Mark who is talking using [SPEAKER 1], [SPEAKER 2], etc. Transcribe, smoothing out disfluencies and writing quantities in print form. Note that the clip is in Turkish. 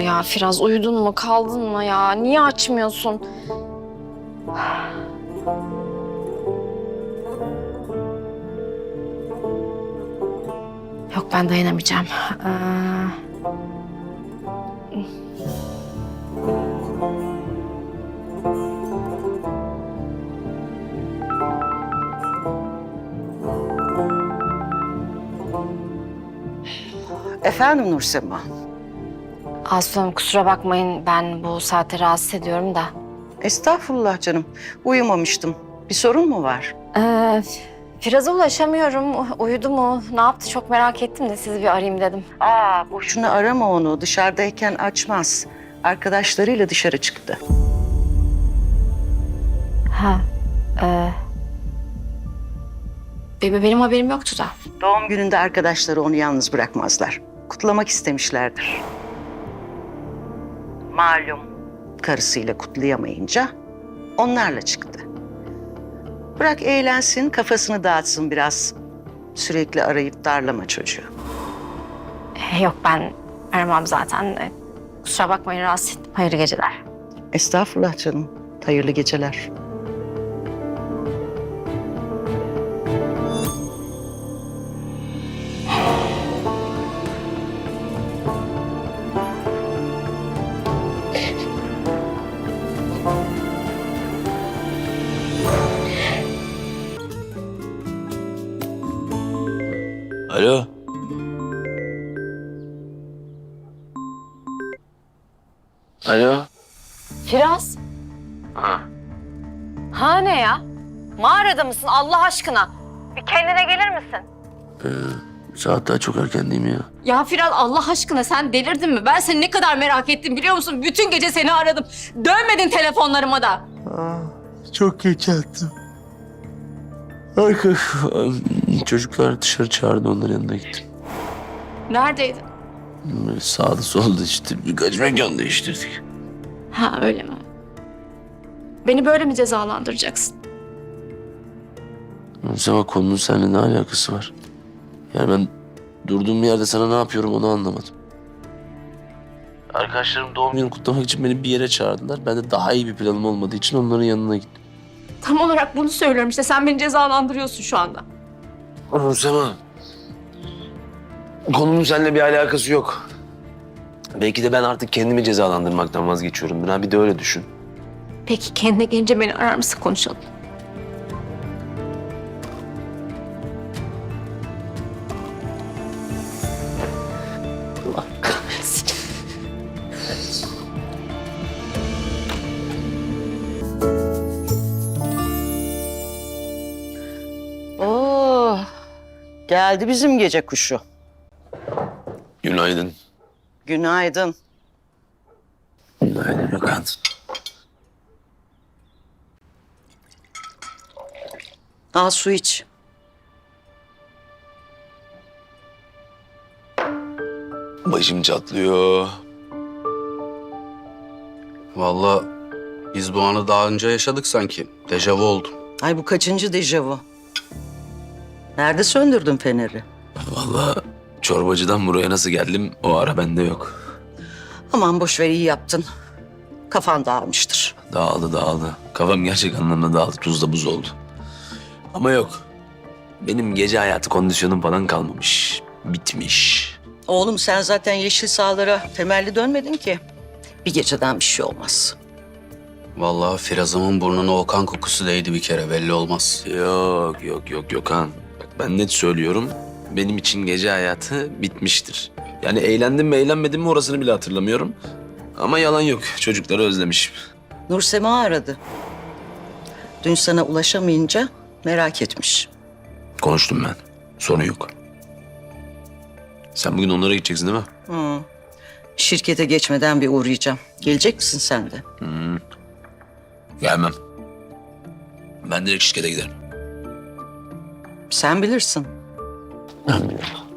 [SPEAKER 1] ya Firaz? Uyudun mu, kaldın mı ya? Niye açmıyorsun? Yok, ben dayanamayacağım.
[SPEAKER 2] Efendim Nursema?
[SPEAKER 1] Aslı Hanım, kusura bakmayın, ben bu saate rahatsız ediyorum da.
[SPEAKER 2] Estağfurullah canım. Uyumamıştım. Bir sorun mu var?
[SPEAKER 1] Firaz'a ulaşamıyorum. Uyudu mu? Ne yaptı? Çok merak ettim de sizi bir arayayım dedim.
[SPEAKER 2] Boşuna arama onu. Dışarıdayken açmaz. Arkadaşlarıyla dışarı çıktı.
[SPEAKER 1] Ha. Benim haberim yoktu da.
[SPEAKER 2] Doğum gününde arkadaşları onu yalnız bırakmazlar. Kutlamak istemişlerdir. Malum karısıyla kutlayamayınca onlarla çıktı. Bırak eğlensin, kafasını dağıtsın biraz. Sürekli arayıp darlama çocuğu.
[SPEAKER 1] Yok, ben aramam zaten. Kusura bakmayın, rahatsız ettim. Hayırlı geceler.
[SPEAKER 2] Estağfurullah canım. Hayırlı geceler.
[SPEAKER 3] Alo. Alo.
[SPEAKER 1] Firaz. Ha ne ya? Mağarada mısın Allah aşkına? Bir kendine gelir misin?
[SPEAKER 3] Saat daha çok erken değil mi ya?
[SPEAKER 4] Ya Firaz, Allah aşkına sen delirdin mi? Ben seni ne kadar merak ettim biliyor musun? Bütün gece seni aradım. Dönmedin telefonlarıma da.
[SPEAKER 3] Çok geç yattım. Çocuklar dışarı çağırdı, onların yanına gittim.
[SPEAKER 4] Neredeydin?
[SPEAKER 3] Sağda solda işte birkaç mekan değiştirdik.
[SPEAKER 4] Ha, öyle mi? Beni böyle mi cezalandıracaksın?
[SPEAKER 3] Ama konunun seninle ne alakası var? Yani ben durduğum yerde sana ne yapıyorum onu anlamadım. Arkadaşlarım doğum günü kutlamak için beni bir yere çağırdılar. Ben de daha iyi bir planım olmadığı için onların yanına gittim.
[SPEAKER 4] Tam olarak bunu söylüyorum işte. Sen beni cezalandırıyorsun şu anda.
[SPEAKER 3] Sema, konunun seninle bir alakası yok. Belki de ben artık kendimi cezalandırmaktan vazgeçiyorum. Bir de öyle düşün.
[SPEAKER 4] Peki kendine gelince beni arar mısın, konuşalım? Allah kahretsin.
[SPEAKER 2] Oo, geldi bizim gece kuşu.
[SPEAKER 3] Günaydın.
[SPEAKER 2] Günaydın.
[SPEAKER 3] Günaydın Gökhan.
[SPEAKER 2] Al su iç.
[SPEAKER 3] Başım çatlıyor.
[SPEAKER 5] Vallahi biz bu anı daha önce yaşadık sanki. Dejavu oldu.
[SPEAKER 2] Ay bu kaçıncı dejavu? Nerede söndürdün feneri?
[SPEAKER 3] Vallahi çorbacıdan buraya nasıl geldim o ara bende yok.
[SPEAKER 2] Aman boş ver, iyi yaptın. Kafan dağılmıştır.
[SPEAKER 3] Dağıldı. Kafam gerçek anlamda dağıldı. Tuzla buz oldu. Ama yok. Benim gece hayatı kondisyonum falan kalmamış. Bitmiş.
[SPEAKER 2] Oğlum sen zaten yeşil sahalara temelli dönmedin ki. Bir geceden bir şey olmaz.
[SPEAKER 5] Vallahi Firaz'ımın burnuna o kan kokusu değdi bir kere, belli olmaz.
[SPEAKER 3] Yok Gökhan. Bak ben net söylüyorum. Benim için gece hayatı bitmiştir. Yani eğlendim mi eğlenmedim mi orasını bile hatırlamıyorum. Ama yalan yok. Çocukları özlemişim.
[SPEAKER 2] Nursema aradı. Dün sana ulaşamayınca merak etmiş.
[SPEAKER 3] Konuştum ben. Sorun yok. Sen bugün onlara gideceksin değil mi?
[SPEAKER 2] Hı. Şirkete geçmeden bir uğrayacağım. Gelecek misin sen de?
[SPEAKER 3] Gelmem. Ben direkt şirkete giderim.
[SPEAKER 2] Sen bilirsin.
[SPEAKER 3] Ben biliyorum.